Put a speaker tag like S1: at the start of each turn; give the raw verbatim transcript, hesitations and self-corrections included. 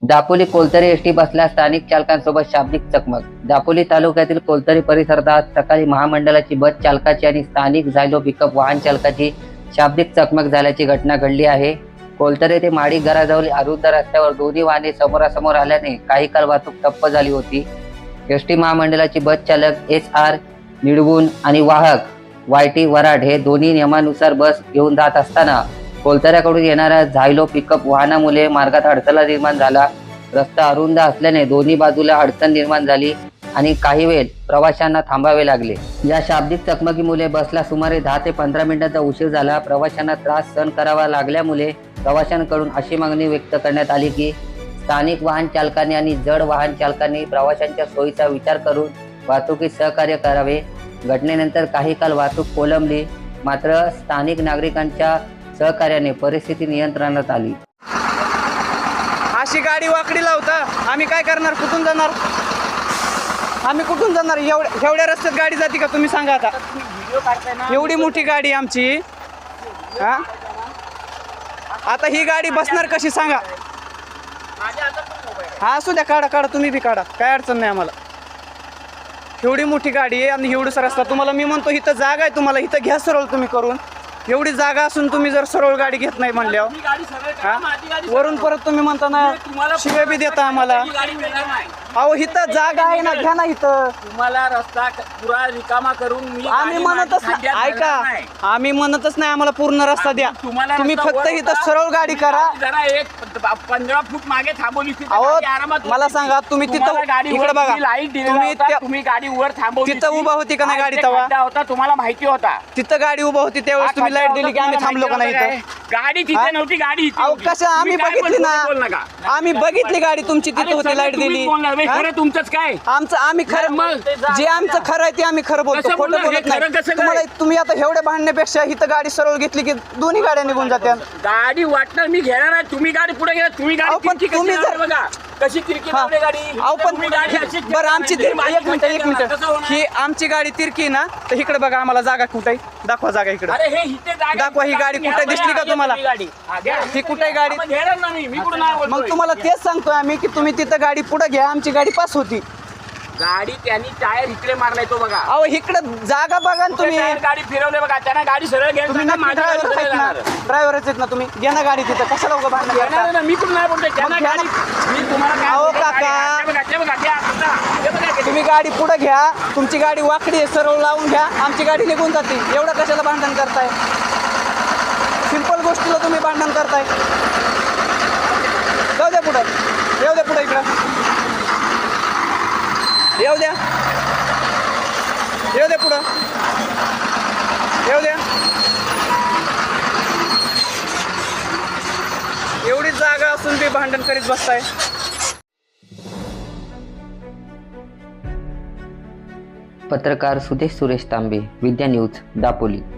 S1: Dapoli कोलतरी ST बसला स्थानिक चालकांसोबत शाब्दिक चकमक। दापोली तालुक्यातील कोलतरी परिसरात आज सकाळी महामंडळाची बस चालकाची आणि स्थानिक झायलो पिकअप वाहन चालकाची शाब्दिक चकमक झाल्याची घटना घडली आहे। कोलतरी ते माडी घराजवळ अरुंद रस्त्यावर दोन्ही वाहने समोरासमोर आल्याने काही काळ वाहतूक ठप्प झाली होती। एसटी महामंडळाची बस चालक एस आर निडगुण आणि वाहक वाय टी वराड हे दोन्ही नियमानुसार बस घेऊन जात असताना कोलतऱ्याकडून येणाऱ्या झायलो पिकअप वाहनामुळे मार्गात अडथळा निर्माण झाला। रस्ता अरुंद असल्याने दोन्ही बाजूला अडचण निर्माण झाली आणि काही वेळ प्रवाशांना थांबावे लागले। या शाब्दिक चकमकीमुळे बसला सुमारे दहा ते पंधरा मिनिटांचा उशीर झाला। प्रवाशांना त्रास सहन करावा लागल्यामुळे प्रवाशांकडून अशी मागणी व्यक्त करण्यात आली की स्थानिक वाहन चालकांनी आणि जड वाहन चालकांनी प्रवाशांच्या सोयीचा विचार करून वाहतुकीत सहकार्य करावे। घटनेनंतर काही काळ वाहतूक कोलमली, मात्र स्थानिक नागरिकांच्या सहकार्याने परिस्थिती नियंत्रणात आली।
S2: अशी गाडी वाकडी लावता आम्ही काय करणार? कुठून जाणार आम्ही? कुठून जाणार? एवढ्या एवढ्या रस्त्यात गाडी जाते का? तुम्ही सांगा आता। एवढी मोठी गाडी आमची, हा आता ही गाडी बसणार कशी सांगा? हा असू द्या, काढा काढा, तुम्ही बी काढा, काय अडचण नाही आम्हाला। एवढी मोठी गाडी आहे आणि एवढंच रस्ता। तुम्हाला मी म्हणतो इथं जागा आहे, तुम्हाला इथं घ्या सरळ तुम्ही करून। एवढी जागा असून तुम्ही जर सरळ गाडी घेत नाही म्हणल्यावर वरून परत तुम्ही म्हणता ना शिव्या बी देता आम्हाला। अहो इथं जागा आहे ना, घ्या ना इथं।
S3: तुम्हाला रस्ता पुरा रिकामा करून मी
S2: आम्ही म्हणतच नाही, ऐका, आम्ही म्हणतच नाही आम्हाला पूर्ण रस्ता द्या। तुम्ही फक्त इथं सरळ गाडी करा।
S3: जरा एक पंधरा फूट मागे थांबवली।
S2: अहो मला सांगा, तुम्ही तिथं इकडे बघा,
S3: तुम्ही तुम्ही गाडी वर थांबवली,
S2: तिथं उभा होती का नाही गाडी? तेव्हा
S3: होता, तुम्हाला माहिती होता
S2: तिथं गाडी उभा होती त्यावेळेस तुम्ही लाईट दिली की आम्ही थांबलो का नाही इथं?
S3: गाडी तिथे नव्हती, गाडी
S2: अहो कसं आम्ही बघितली ना, आम्ही बघितली गाडी तुमची तिथे होती, लाईट दिली।
S3: खरं तुमचंच काय?
S2: आमचं आम्ही खरं, जे आमचं खरं आहे ते आम्ही खरं बोलतो, खोटं बोलत नाही। तुम्हाला तुम्ही आता एवढे भांडण्यापेक्षा इथं गाडी सरळ घेतली की दोन्ही गाड्या निघून जात्या।
S3: गाडी वाटणार मी घेणार आहे, तुम्ही गाडी पुढे घ्या। तुम्ही गाडी
S2: तुम्ही जर
S3: बघा कशी तिरकी लावली गाडी।
S2: अहो पण बरं आमची एक मिनिट एक मिनिट ही आमची गाडी तिरकी ना, तर इकडे बघा आम्हाला जागा कुठे दाखवा, जागा इकडे दाखवा। ही गाडी कुठे दिसली का तुम्हाला? ही कुठे गाडी? मग तुम्हाला तेच सांगतोय आम्ही की तुम्ही तिथं गाडी पुढे घ्या, आमची गाडी पास होती।
S3: गाडी त्यांनी टायर इकडे मारलाय तो बघा।
S2: अहो इकडे जागा बघा ना तुम्ही।
S3: गाडी फिरवले बघा, त्यांना गाडी सरळ घ्यायला
S2: तुम्ही ड्रायव्हर आहेत ना, ड्रायव्हरच आहेत ना तुम्ही, घ्या ना गाडी तिथं, कशाला उगा भांडण करता?
S3: मी पण नाही बोलतोय त्यांना गाडी, मी तुम्हाला
S2: अहो काका, तुम्ही गाडी पुढे घ्या, तुमची गाडी वाकडी आहे, सरळ लावून घ्या, आमची गाडी निघून जाते। एवढं कशाला भांडण करताय? सिंपल गोष्टीला तुम्ही भांडण करताय। जाऊ द्या पुढं, येऊ द्या पुढे, इकडं येऊ द्या, येऊ द्या पुढं, येऊ द्या। एवढी जागा असून बी भांडण करीत बसताय।
S1: पत्रकार सुदेश सुरेश तांबे, विद्या न्यूज, दापोली।